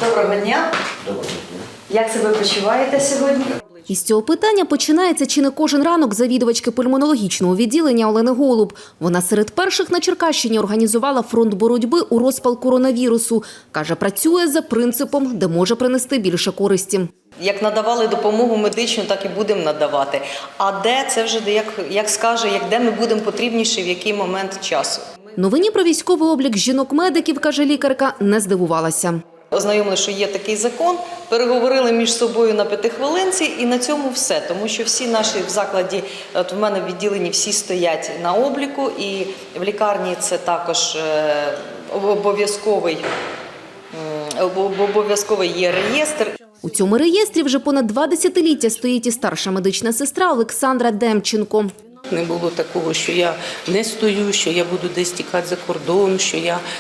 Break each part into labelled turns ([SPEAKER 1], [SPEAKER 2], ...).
[SPEAKER 1] Доброго дня.
[SPEAKER 2] Доброго дня.
[SPEAKER 1] Як себе почуваєте сьогодні?
[SPEAKER 3] Із цього питання починається чи не кожен ранок завідувачки пульмонологічного відділення Олени Голуб. Вона серед перших на Черкащині організувала фронт боротьби у розпал коронавірусу. Каже, працює за принципом, де може принести більше користі.
[SPEAKER 1] Як надавали допомогу медичну, так і будемо надавати. А де, це вже як скаже, де ми будемо потрібніші, в який момент часу.
[SPEAKER 3] Новині про військовий облік жінок-медиків, каже лікарка, не здивувалася.
[SPEAKER 1] Ознайомили, що є такий закон, переговорили між собою на 5-хвилинці і на цьому все. Тому що всі наші в закладі, от в мене в відділенні всі стоять на обліку і в лікарні це також обов'язковий є реєстр.
[SPEAKER 3] У цьому реєстрі вже понад 2 десятиліття стоїть і старша медична сестра Олександра Демченко.
[SPEAKER 4] Не було такого, що я не стою, що я буду десь тікати за кордон, що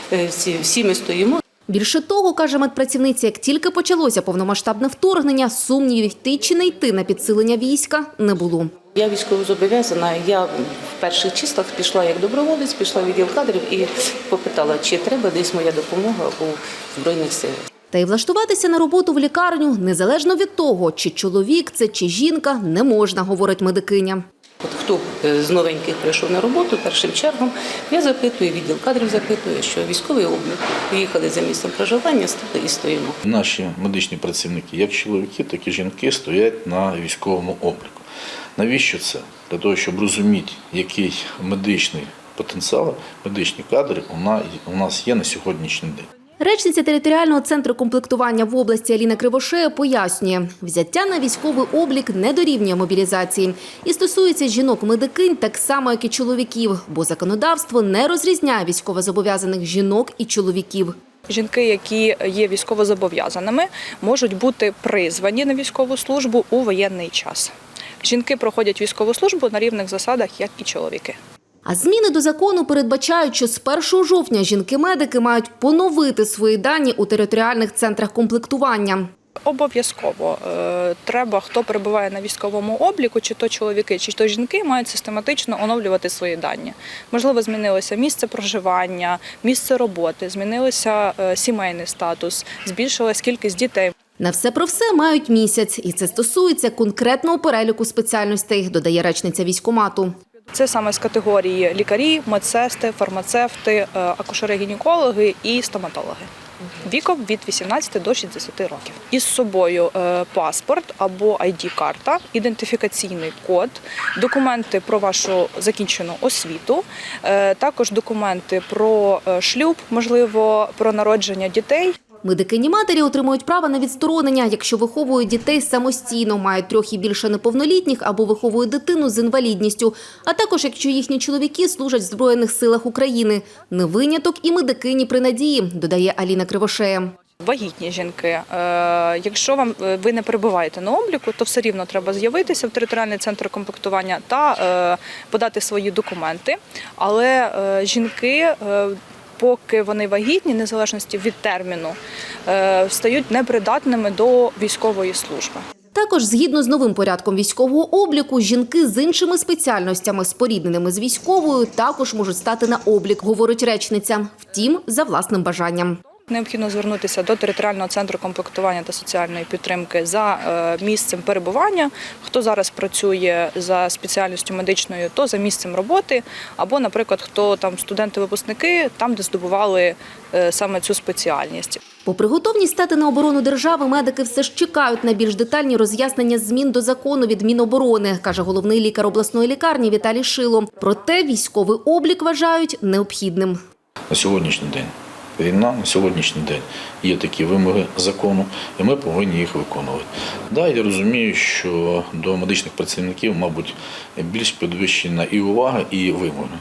[SPEAKER 4] всі ми стоїмо.
[SPEAKER 3] Більше того, каже медпрацівниця, як тільки почалося повномасштабне вторгнення, сумнівів йти чи не йти на підсилення війська не було.
[SPEAKER 4] Я військовозобов'язана, я в перших числах пішла як доброволець, пішла в відділ кадрів і попитала, чи треба десь моя допомога у Збройних силах.
[SPEAKER 3] Та й влаштуватися на роботу в лікарню, незалежно від того, чи чоловік це, чи жінка, не можна, говорить медикиня.
[SPEAKER 4] От хто з новеньких прийшов на роботу, першим чергом я запитую, відділ кадрів запитує, що військовий облік, поїхали за місцем проживання, стали і стоїмо.
[SPEAKER 2] Наші медичні працівники, як чоловіки, так і жінки, стоять на військовому обліку. Навіщо це? Для того, щоб розуміти, який медичний потенціал, медичні кадри у нас є на сьогоднішній день.
[SPEAKER 3] Речниця територіального центру комплектування в області Аліна Кривошея пояснює, взяття на військовий облік не дорівнює мобілізації. І стосується жінок-медикинь так само, як і чоловіків, бо законодавство не розрізняє військовозобов'язаних жінок і чоловіків.
[SPEAKER 5] Жінки, які є військовозобов'язаними, можуть бути призвані на військову службу у воєнний час. Жінки проходять військову службу на рівних засадах, як і чоловіки.
[SPEAKER 3] А зміни до закону передбачають, що з 1 жовтня жінки-медики мають поновити свої дані у територіальних центрах комплектування.
[SPEAKER 5] Обов'язково треба, хто перебуває на військовому обліку, чи то чоловіки, чи то жінки, мають систематично оновлювати свої дані. Можливо, змінилося місце проживання, місце роботи, змінився сімейний статус, збільшилась кількість дітей.
[SPEAKER 3] На все про все мають місяць, і це стосується конкретного переліку спеціальностей, додає речниця військкомату.
[SPEAKER 5] Це саме з категорії лікарі, медсестри, фармацевти, акушери-гінекологи і стоматологи. Віком від 18 до 60 років. Із собою паспорт або ID-карта, ідентифікаційний код, документи про вашу закінчену освіту, також документи про шлюб, можливо, про народження дітей.
[SPEAKER 3] Медикині-матері отримують право на відсторонення, якщо виховують дітей самостійно, мають 3 і більше неповнолітніх або виховують дитину з інвалідністю, а також якщо їхні чоловіки служать в Збройних силах України. Не виняток і медикині при надії, додає Аліна Кривошея.
[SPEAKER 5] Вагітні жінки, якщо ви не перебуваєте на обліку, то все рівно треба з'явитися в територіальний центр комплектування та подати свої документи. Але жінки, поки вони вагітні, незалежності від терміну, стають непридатними до військової служби.
[SPEAKER 3] Також, згідно з новим порядком військового обліку, жінки з іншими спеціальностями, спорідненими з військовою, також можуть стати на облік, говорить речниця. Втім, за власним бажанням.
[SPEAKER 5] Необхідно звернутися до територіального центру комплектування та соціальної підтримки за місцем перебування. Хто зараз працює за спеціальністю медичною, то за місцем роботи. Або, наприклад, хто там студенти-випускники, там, де здобували саме цю спеціальність.
[SPEAKER 3] Попри готовність стати на оборону держави, медики все ж чекають на більш детальні роз'яснення змін до закону від Міноборони, каже головний лікар обласної лікарні Віталій Шило. Проте військовий облік вважають необхідним.
[SPEAKER 2] На сьогоднішній день війна, на сьогоднішній день є такі вимоги закону, і ми повинні їх виконувати. Да, я розумію, що до медичних працівників, мабуть, більш підвищена і увага, і вимоги.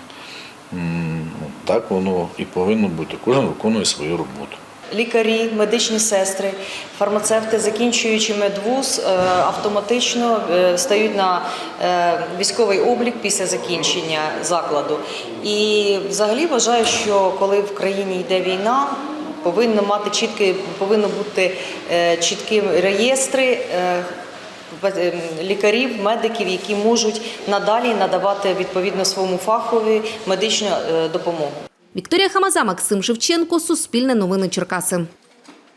[SPEAKER 2] Так воно і повинно бути. Кожен виконує свою роботу.
[SPEAKER 1] Лікарі, медичні сестри, фармацевти, закінчуючи медвуз, автоматично стають на військовий облік після закінчення закладу. І взагалі вважаю, що коли в країні йде війна, повинні бути чіткі реєстри лікарів, медиків, які можуть надалі надавати відповідно своєму фахові медичну допомогу.
[SPEAKER 3] Вікторія Хамаза, Максим Шевченко, Суспільне новини Черкаси.